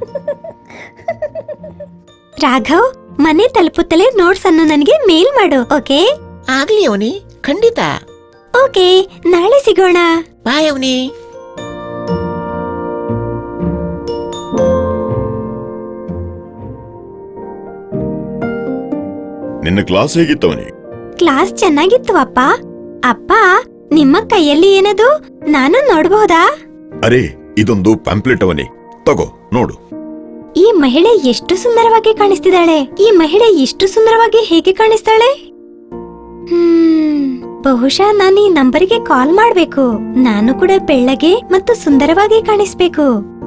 ರಾಘವ್, ಮನೆ ತಲುಪುತ್ತಲೇ ನೋಟ್ಸ್ ಅನ್ನು ನನಗೆ ಮೇಲ್ ಮಾಡು. ಓಕೆ? ಆಗ್ಲಿ ಅವನಿ, ಖಂಡಿತ. ಓಕೆ, ನಾಳೆ ಸಿಗೋಣ. ಬಾಯ್ ಅವನಿ. ನಿನ್ನ ಕ್ಲಾಸ್ ಹೇಗಿತ್ತವನಿ? ಕ್ಲಾಸ್ ಚೆನ್ನಾಗಿತ್ತು ಅಪ್ಪ. ಅಪ್ಪ, ನಿಮ್ಮ ಕೈಯಲ್ಲಿ ಏನದು? ನಾನು ನೋಡಬಹುದಾ? ಅರೆ, ಇದೊಂದು ಪ್ಯಾಂಪ್ಲೆಟ್ ಅವನಿ, ತಗೋ ನೋಡು. ಈ ಮಹಿಳೆ ಎಷ್ಟು ಸುಂದರವಾಗಿ ಕಾಣಿಸ್ತಿದ್ದಾಳೆ. ಈ ಮಹಿಳೆ ಇಷ್ಟು ಸುಂದರವಾಗಿ ಹೇಗೆ ಕಾಣಿಸ್ತಾಳೆ? ಬಹುಶಃ ನಾನು ಈ ನಂಬರಿಗೆ ಕಾಲ್ ಮಾಡ್ಬೇಕು. ನಾನು ಕೂಡ ಬೆಳ್ಳಗೆ ಮತ್ತು ಸುಂದರವಾಗಿ ಕಾಣಿಸ್ಬೇಕು.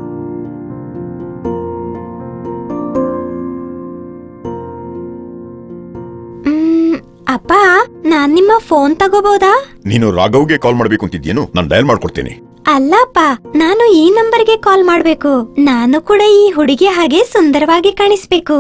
ಅಪ್ಪ, ನಾನ್ ನಿಮ್ಮ ಫೋನ್ ತಗೋಬಹುದಾ? ನೀನು ರಾಘವ್ಗೆ ಕಾಲ್ ಮಾಡ್ಬೇಕು ಅಂತಿದ್ಯೇನು? ನಾನು ಡಯಲ್ ಮಾಡ್ಕೊಡ್ತೀನಿ. ಅಲ್ಲಪ್ಪ, ನಾನು ಈ ನಂಬರ್ಗೆ ಕಾಲ್ ಮಾಡ್ಬೇಕು. ನಾನು ಕೂಡ ಈ ಹುಡುಗಿ ಹಾಗೆ ಸುಂದರವಾಗಿ ಕಾಣಿಸ್ಬೇಕು.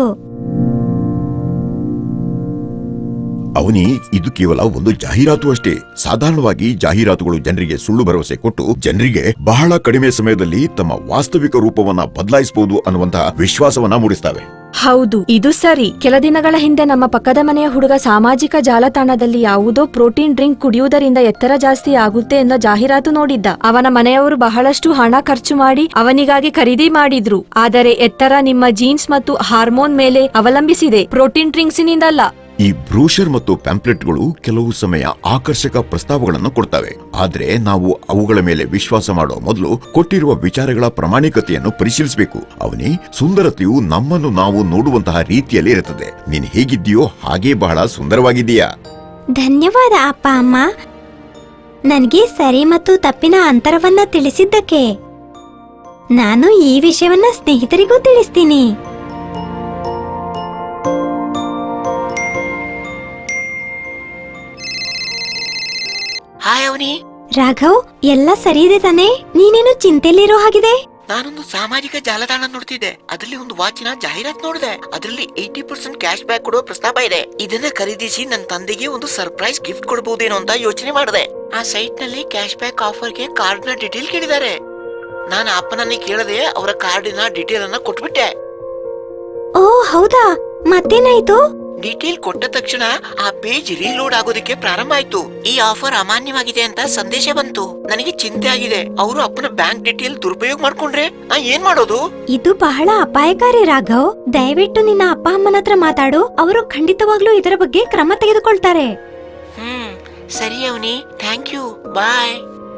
ಅವನಿ, ಇದು ಕೇವಲ ಒಂದು ಜಾಹೀರಾತು ಅಷ್ಟೇ. ಸಾಧಾರಣವಾಗಿ ಜಾಹೀರಾತುಗಳು ಜನರಿಗೆ ಸುಳ್ಳು ಭರವಸೆ ಕೊಟ್ಟು ಜನರಿಗೆ ಬಹಳ ಕಡಿಮೆ ಸಮಯದಲ್ಲಿ ತಮ್ಮ ವಾಸ್ತವಿಕ ರೂಪವನ್ನ ಬದಲಾಯಿಸಬಹುದು ಅನ್ನುವಂತಹ ವಿಶ್ವಾಸವನ್ನ ಮೂಡಿಸ್ತವೆ. ಹೌದು, ಇದು ಸರಿ. ಕೆಲ ದಿನಗಳ ಹಿಂದೆ ನಮ್ಮ ಪಕ್ಕದ ಮನೆಯ ಹುಡುಗ ಸಾಮಾಜಿಕ ಜಾಲತಾಣದಲ್ಲಿ ಯಾವುದೋ ಪ್ರೋಟೀನ್ ಡ್ರಿಂಕ್ ಕುಡಿಯುವುದರಿಂದ ಎತ್ತರ ಜಾಸ್ತಿ ಆಗುತ್ತೆ ಎಂದ ಜಾಹೀರಾತು ನೋಡಿದ್ದ. ಅವನ ಮನೆಯವರು ಬಹಳಷ್ಟು ಹಣ ಖರ್ಚು ಮಾಡಿ ಅವನಿಗಾಗಿ ಖರೀದಿ ಮಾಡಿದ್ರು. ಆದರೆ ಎತ್ತರ ನಿಮ್ಮ ಜೀನ್ಸ್ ಮತ್ತು ಹಾರ್ಮೋನ್ ಮೇಲೆ ಅವಲಂಬಿಸಿದೆ, ಪ್ರೋಟೀನ್ ಡ್ರಿಂಕ್ಸಿನಿಂದಲ್ಲ. ಈ ಬ್ರೋಷರ್ ಮತ್ತು ಪ್ಯಾಂಪ್ಲೆಟ್ಗಳು ಕೆಲವು ಸಮಯ ಆಕರ್ಷಕ ಪ್ರಸ್ತಾವಗಳನ್ನು ಕೊಡ್ತವೆ. ಆದ್ರೆ ನಾವು ಅವುಗಳ ಮೇಲೆ ವಿಶ್ವಾಸ ಮಾಡೋ ಮೊದಲು ಕೊಟ್ಟಿರುವ ವಿಚಾರಗಳ ಪ್ರಾಮಾಣಿಕತೆಯನ್ನು ಪರಿಶೀಲಿಸಬೇಕು. ಅವನಿ, ಸುಂದರತೆಯು ನಮ್ಮನ್ನು ನಾವು ನೋಡುವಂತಹ ರೀತಿಯಲ್ಲಿ ಇರುತ್ತದೆ. ನೀನ್ ಹೇಗಿದ್ದೀಯೋ ಹಾಗೇ ಬಹಳ ಸುಂದರವಾಗಿದ್ದೀಯಾ. ಧನ್ಯವಾದ ಅಪ್ಪ ಅಮ್ಮ, ನನಗೆ ಸರಿ ಮತ್ತು ತಪ್ಪಿನ ಅಂತರವನ್ನ ತಿಳಿಸಿದ್ದಕ್ಕೆ. ನಾನು ಈ ವಿಷಯವನ್ನ ಸ್ನೇಹಿತರಿಗೂ ತಿಳಿಸ್ತೀನಿ. ಹಾಯ್ ಅವನಿ. ರಾಘವ್, ಎಲ್ಲ ಸರಿ ಇದೆ ತಾನೆ? ನೀನೇನು ಚಿಂತೆಯಲ್ಲಿರೋ ಹಾಗಿದೆ? ನಾನೊಂದು ಸಾಮಾಜಿಕ ಜಾಲತಾಣ ನೋಡ್ತಿದ್ದೆ. ಅದರಲ್ಲಿ ಒಂದು ವಾಚಿನ ಜಾಹೀರಾತ್ ನೋಡಿದೆ. ಅದರಲ್ಲಿ 80% ಕ್ಯಾಶ್ ಬ್ಯಾಕ್ ಕೊಡೋ ಪ್ರಸ್ತಾಪ ಇದೆ. ಇದನ್ನ ಖರೀದಿಸಿ ನನ್ನ ತಂದೆಗೆ ಒಂದು ಸರ್ಪ್ರೈಸ್ ಗಿಫ್ಟ್ ಕೊಡಬಹುದೇನೋ ಅಂತ ಯೋಚನೆ ಮಾಡಿದೆ. ಆ ಸೈಟ್ ನಲ್ಲಿ ಕ್ಯಾಶ್ ಬ್ಯಾಕ್ ಆಫರ್ಗೆ ಕಾರ್ಡ್ ನ ಡೀಟೇಲ್ ಕೇಳಿದ್ದಾರೆ. ನಾನು ಅಪ್ಪನನ್ನೇ ಕೇಳದೆ ಅವರ ಕಾರ್ಡಿನ ಡೀಟೇಲ್ ಅನ್ನ ಕೊಟ್ಬಿಟ್ಟೆ. ಓ ಹೌದಾ, ಮತ್ತೇನಾಯ್ತು? ಡೀಟೇಲ್ ಕೊಟ್ಟ ತಕ್ಷಣ ಆ ಪೇಜ್ ರೀಲೋಡ್ ಆಗೋದಕ್ಕೆ ಪ್ರಾರಂಭ ಆಯ್ತು. ಈ ಆಫರ್ ಅಮಾನ್ಯವಾಗಿದೆ ಅಂತ ಸಂದೇಶ ಬಂತು. ನನಗೆ ಚಿಂತೆ ಆಗಿದೆ. ಅವರು ಅಪ್ಪನ ಬ್ಯಾಂಕ್ ಡೀಟೇಲ್ ದುರುಪಯೋಗ ಮಾಡ್ಕೊಂಡ್ರೆ ನಾ ಏನ್ ಮಾಡೋದು? ಇದು ಬಹಳ ಅಪಾಯಕಾರಿ ರಾಘವ್. ದಯವಿಟ್ಟು ನಿನ್ನ ಅಪ್ಪ ಅಮ್ಮನ ಹತ್ರ ಮಾತಾಡು. ಅವರು ಖಂಡಿತವಾಗ್ಲೂ ಇದರ ಬಗ್ಗೆ ಕ್ರಮ ತೆಗೆದುಕೊಳ್ತಾರೆ. ಸರಿ Avani, thank you, bye.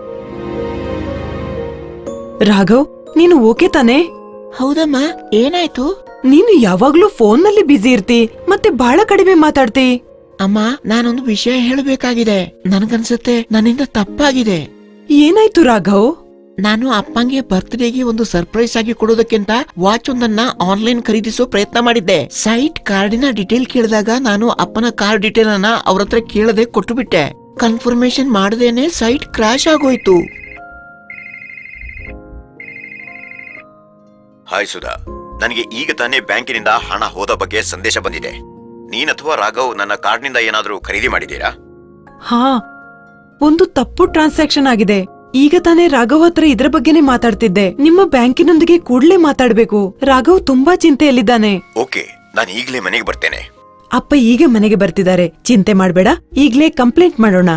Raghav, ನೀನು ಓಕೆ ತಾನೆ? ಹೌದಮ್ಮ, ಏನಾಯ್ತು? ನೀನು ಯಾವಾಗ್ಲೂ ಫೋನ್ ನಲ್ಲಿ ಬ್ಯುಸಿ ಇರ್ತಿ, ಮತ್ತೆ ಬಹಳ ಕಡಿಮೆ ಮಾತಾಡ್ತಿ. ಅಮ್ಮ, ನಾನೊಂದು ವಿಷಯ ಹೇಳಬೇಕಾಗಿದೆ. ನನ್ಗನ್ಸುತ್ತೆ ನನ್ನಿಂದ ತಪ್ಪಾಗಿದೆ. ಏನಾಯ್ತು ರಾಘವ್? ನಾನು ಅಪ್ಪಂಗೆ ಬರ್ತ್ಡೇಗೆ ಒಂದು ಸರ್ಪ್ರೈಸ್ ಆಗಿ ಕೊಡೋದಕ್ಕಿಂತ ವಾಚ್ ಒಂದನ್ನ ಆನ್ಲೈನ್ ಖರೀದಿಸೋ ಪ್ರಯತ್ನ ಮಾಡಿದ್ದೆ. ಸೈಟ್ ಕಾರ್ಡಿನ ಡೀಟೇಲ್ ಕೇಳಿದಾಗ ನಾನು ಅಪ್ಪನ ಕಾರ್ಡ್ ಡೀಟೇಲ್ ಅನ್ನ ಅವ್ರ ಹತ್ರ ಕೇಳದೆ ಕೊಟ್ಟು ಬಿಟ್ಟೆ. ಕನ್ಫರ್ಮೇಶನ್ ಮಾಡದೇನೆ ಸೈಟ್ ಕ್ರಾಶ್ ಆಗೋಯ್ತು. ಹಾಯ್ ಸುಧಾ, ನನಗೆ ಈಗ ತಾನೇ ಬ್ಯಾಂಕಿನಿಂದ ಹಣ ಹೋದ ಬಗ್ಗೆ ಸಂದೇಶ ಬಂದಿದೆ. ನೀನ್ ಅಥವಾ ರಾಘವ್ ನನ್ನ ಕಾರ್ಡ್ನಿಂದ ಏನಾದ್ರೂ ಖರೀದಿ ಮಾಡಿದೀರಾ? ಹಾ, ಒಂದು ತಪ್ಪು ಟ್ರಾನ್ಸಾಕ್ಷನ್ ಆಗಿದೆ. ಈಗ ತಾನೇ ರಾಘವ್ ಹತ್ರ ಇದ್ರ ಬಗ್ಗೆನೇ ಮಾತಾಡ್ತಿದ್ದೆ. ನಿಮ್ಮ ಬ್ಯಾಂಕಿನೊಂದಿಗೆ ಕೂಡ್ಲೇ ಮಾತಾಡ್ಬೇಕು. ರಾಘವ್ ತುಂಬಾ ಚಿಂತೆಯಲ್ಲಿದ್ದಾನೆ. ಓಕೆ, ನಾನು ಈಗಲೇ ಮನೆಗೆ ಬರ್ತೇನೆ. ಅಪ್ಪ ಈಗ ಮನೆಗೆ ಬರ್ತಿದ್ದಾರೆ, ಚಿಂತೆ ಮಾಡ್ಬೇಡ. ಈಗ್ಲೇ ಕಂಪ್ಲೇಂಟ್ ಮಾಡೋಣ.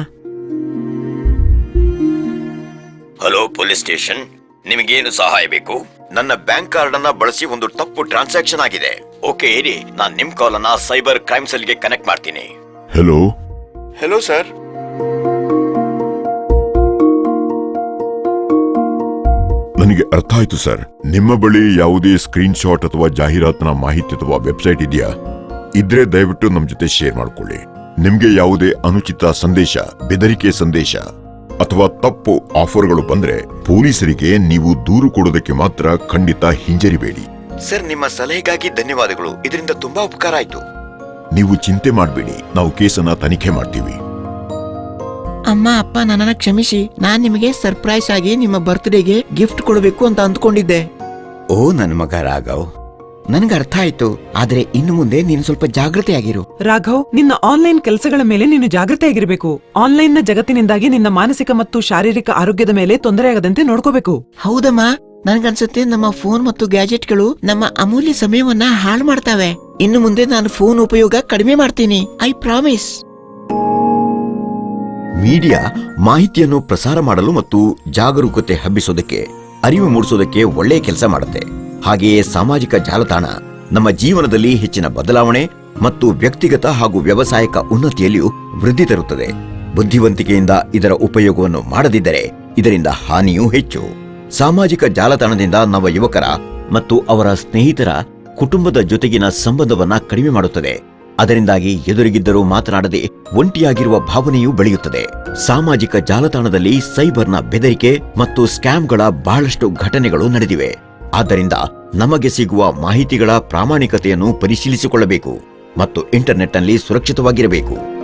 ಹಲೋ ಪೊಲೀಸ್ ಸ್ಟೇಷನ್, ನಿಮಗೇನು ಸಹಾಯ ಬೇಕು? ನನ್ನ ಬ್ಯಾಂಕ್ ಕಾರ್ಡ್ ಅನ್ನ ಬಳಸಿ ಒಂದು ತಪ್ಪು ಟ್ರಾನ್ಸಾಕ್ಷನ್ ಆಗಿದೆ. ಓಕೆ ಇರಿ, ನಾನ್ ನಿಮ್ ಕಾಲ್ ಅನ್ನ ಸೈಬರ್ ಕ್ರೈಮ್ ಸೆಲ್ಗೆ ಕನೆಕ್ಟ್ ಮಾಡ್ತೀನಿ. Hello hello sir. ನನಗೆ ಅರ್ಥ ಆಯ್ತು ಸರ್. ನಿಮ್ಮ ಬಳಿ ಯಾವುದೇ ಸ್ಕ್ರೀನ್ ಶಾಟ್ ಅಥವಾ ಜಾಹೀರಾತಿನ ಮಾಹಿತಿ ಅಥವಾ ವೆಬ್ಸೈಟ್ ಇದೆಯಾ? ಇದ್ರೆ ದಯವಿಟ್ಟು ನಮ್ ಜೊತೆ ಶೇರ್ ಮಾಡ್ಕೊಳ್ಳಿ. ನಿಮ್ಗೆ ಯಾವುದೇ ಅನುಚಿತ ಸಂದೇಶ, ಬೆದರಿಕೆ ಸಂದೇಶ ಅಥವಾ ತಪ್ಪು ಆಫರ್ಗಳು ಬಂದ್ರೆ ಪೊಲೀಸರಿಗೆ ನೀವು ದೂರು ಕೊಡೋದಕ್ಕೆ ಮಾತ್ರ ಖಂಡಿತ ಹಿಂಜರಿಬೇಡಿ. ಸರ್, ನಿಮ್ಮ ಸಲಹೆಗಾಗಿ ಧನ್ಯವಾದಗಳು. ಇದರಿಂದ ತುಂಬಾ ಉಪಕಾರ ಆಯ್ತು. ನೀವು ಚಿಂತೆ ಮಾಡಬೇಡಿ, ನಾವು ಕೇಸನ್ನ ತನಿಖೆ ಮಾಡ್ತೀವಿ. ಅಮ್ಮ, ಅಪ್ಪ, ನನ್ನನ್ನ ಕ್ಷಮಿಸಿ. ನಾನ್ ನಿಮಗೆ ಸರ್ಪ್ರೈಸ್ ಆಗಿ ನಿಮ್ಮ ಬರ್ತ್ಡೇಗೆ ಗಿಫ್ಟ್ ಕೊಡಬೇಕು ಅಂತ ಅಂದ್ಕೊಂಡಿದ್ದೆ. ಓ ನನ್ ಮಗ ರಾಘವ್, ನನ್ಗೆ ಅರ್ಥ ಆಯ್ತು. ಆದ್ರೆ ಇನ್ನು ಮುಂದೆ ನೀನು ಸ್ವಲ್ಪ ಜಾಗೃತಿ ಆಗಿರು. ರಾಘವ್, ನಿನ್ನ ಆನ್ಲೈನ್ ಕೆಲಸಗಳ ಮೇಲೆ ನೀನು ಜಾಗೃತಿ ಆಗಿರಬೇಕು. ಆನ್ಲೈನ್ ನ ಜಗತ್ತಿನಿಂದಾಗಿ ನಿನ್ನ ಮಾನಸಿಕ ಮತ್ತು ಶಾರೀರಿಕ ಆರೋಗ್ಯದ ಮೇಲೆ ತೊಂದರೆಯಾಗದಂತೆ ನೋಡ್ಕೋಬೇಕು. ಹೌದಮ್ಮ, ನನ್ಗನ್ಸುತ್ತೆ ನಮ್ಮ ಫೋನ್ ಮತ್ತು ಗ್ಯಾಜೆಟ್ಗಳು ನಮ್ಮ ಅಮೂಲ್ಯ ಸಮಯವನ್ನ ಹಾಳು ಮಾಡ್ತಾವೆ. ಇನ್ನು ಮುಂದೆ ನಾನು ಫೋನ್ ಉಪಯೋಗ ಕಡಿಮೆ ಮಾಡ್ತೀನಿ, ಐ ಪ್ರಾಮಿಸ್. ಮೀಡಿಯಾ ಮಾಹಿತಿಯನ್ನು ಪ್ರಸಾರ ಮಾಡಲು ಮತ್ತು ಜಾಗರೂಕತೆ ಹಬ್ಬಿಸೋದಕ್ಕೆ, ಅರಿವು ಮೂಡಿಸೋದಕ್ಕೆ ಒಳ್ಳೆಯ ಕೆಲಸ ಮಾಡುತ್ತೆ. ಹಾಗೆಯೇ ಸಾಮಾಜಿಕ ಜಾಲತಾಣ ನಮ್ಮ ಜೀವನದಲ್ಲಿ ಹೆಚ್ಚಿನ ಬದಲಾವಣೆ ಮತ್ತು ವ್ಯಕ್ತಿಗತ ಹಾಗೂ ವ್ಯವಸಾಯಿಕ ಉನ್ನತಿಯಲ್ಲಿಯೂ ವೃದ್ಧಿ ತರುತ್ತದೆ. ಬುದ್ಧಿವಂತಿಕೆಯಿಂದ ಇದರ ಉಪಯೋಗವನ್ನು ಮಾಡದಿದ್ದರೆ ಇದರಿಂದ ಹಾನಿಯೂ ಹೆಚ್ಚು. ಸಾಮಾಜಿಕ ಜಾಲತಾಣದಿಂದ ನವ ಯುವಕರ ಮತ್ತು ಅವರ ಸ್ನೇಹಿತರ ಕುಟುಂಬದ ಜೊತೆಗಿನ ಸಂಬಂಧವನ್ನ ಕಡಿಮೆ ಮಾಡುತ್ತದೆ. ಅದರಿಂದಾಗಿ ಎದುರಿಗಿದ್ದರೂ ಮಾತನಾಡದೆ ಒಂಟಿಯಾಗಿರುವ ಭಾವನೆಯೂ ಬೆಳೆಯುತ್ತದೆ. ಸಾಮಾಜಿಕ ಜಾಲತಾಣದಲ್ಲಿ ಸೈಬರ್ನ ಬೆದರಿಕೆ ಮತ್ತು ಸ್ಕ್ಯಾಮ್ಗಳ ಬಹಳಷ್ಟು ಘಟನೆಗಳು ನಡೆದಿವೆ. ಆದ್ದರಿಂದ ನಮಗೆ ಸಿಗುವ ಮಾಹಿತಿಗಳ ಪ್ರಾಮಾಣಿಕತೆಯನ್ನು ಪರಿಶೀಲಿಸಿಕೊಳ್ಳಬೇಕು ಮತ್ತು ಇಂಟರ್ನೆಟ್ನಲ್ಲಿ ಸುರಕ್ಷಿತವಾಗಿರಬೇಕು.